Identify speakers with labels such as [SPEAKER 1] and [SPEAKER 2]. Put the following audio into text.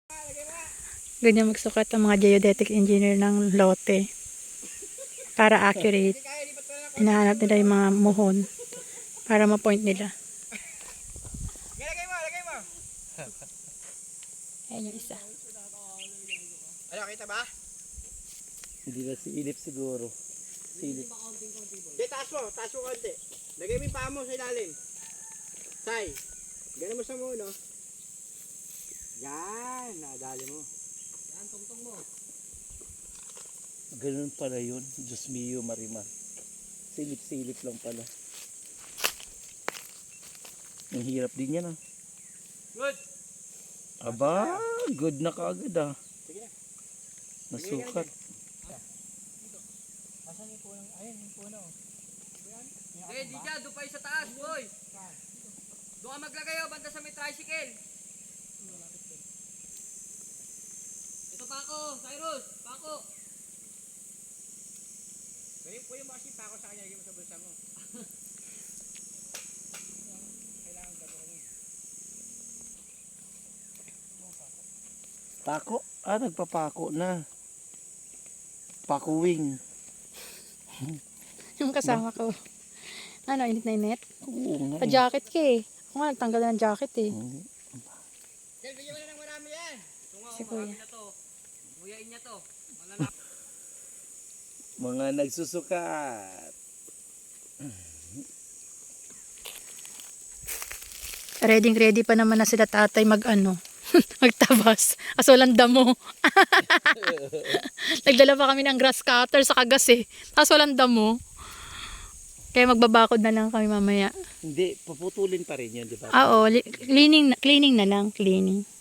[SPEAKER 1] Ganyan magsukat ang mga geodetic engineer ng lote. Para accurate. Hinahanap nila yung mga muhon. Para ma-point nila.
[SPEAKER 2] Lagay mo.
[SPEAKER 1] Ayan yung isa.
[SPEAKER 2] Ano, kita ba?
[SPEAKER 3] Hindi na silip siguro. Silip.
[SPEAKER 2] Hindi, taas mo konti. Lagay mo yung paa mo sa ilalim. Say, gano'n mo sa muno. Yan, nadali mo. Yan, tungtong mo.
[SPEAKER 3] Ganun pala yun. Diyos mio, Marimar. Silip-silip lang pala. Ang hirap din yan ah.
[SPEAKER 2] Good.
[SPEAKER 3] Aba, good na kaagad ah.
[SPEAKER 2] Sige na.
[SPEAKER 3] Nasukat.
[SPEAKER 2] Asan yung puno? Ayun, yung puno.
[SPEAKER 4] Eh, di dyan, doon pa yung sa taas, boy. Doon ka maglagay, oh, banda sa may tricycle. Ito pa ako, Cyrus, pa ako.
[SPEAKER 2] Ganyan po yung kasi pa ako sa kanya, lagay mo sa bulsa mo. Kailangan gagawin mo.
[SPEAKER 3] Pako? Ah, nagpapako na. Pakuwing.
[SPEAKER 1] Yung kasama ko. Ano, init na init?
[SPEAKER 3] Oo nga.
[SPEAKER 1] Pa-jacket ka eh. Ako nga, nagtanggal na ng jacket eh.
[SPEAKER 2] Kel, bigyan mo na ng marami yan.
[SPEAKER 4] Ito nga,
[SPEAKER 1] Si
[SPEAKER 4] oh, marami
[SPEAKER 1] Kuya.
[SPEAKER 4] na to. Nguyain niya to. Malala.
[SPEAKER 3] Mga nagsusukat.
[SPEAKER 1] Ready pa naman na sila tatay magtabas. Kaso walang damo. Nagdala pa kami ng grass cutter sa kagas eh. Kaso walang damo. Kaya magbabakod na lang kami mamaya.
[SPEAKER 3] Hindi, paputulin pa rin yun, di ba?
[SPEAKER 1] Oo, cleaning na lang, cleaning.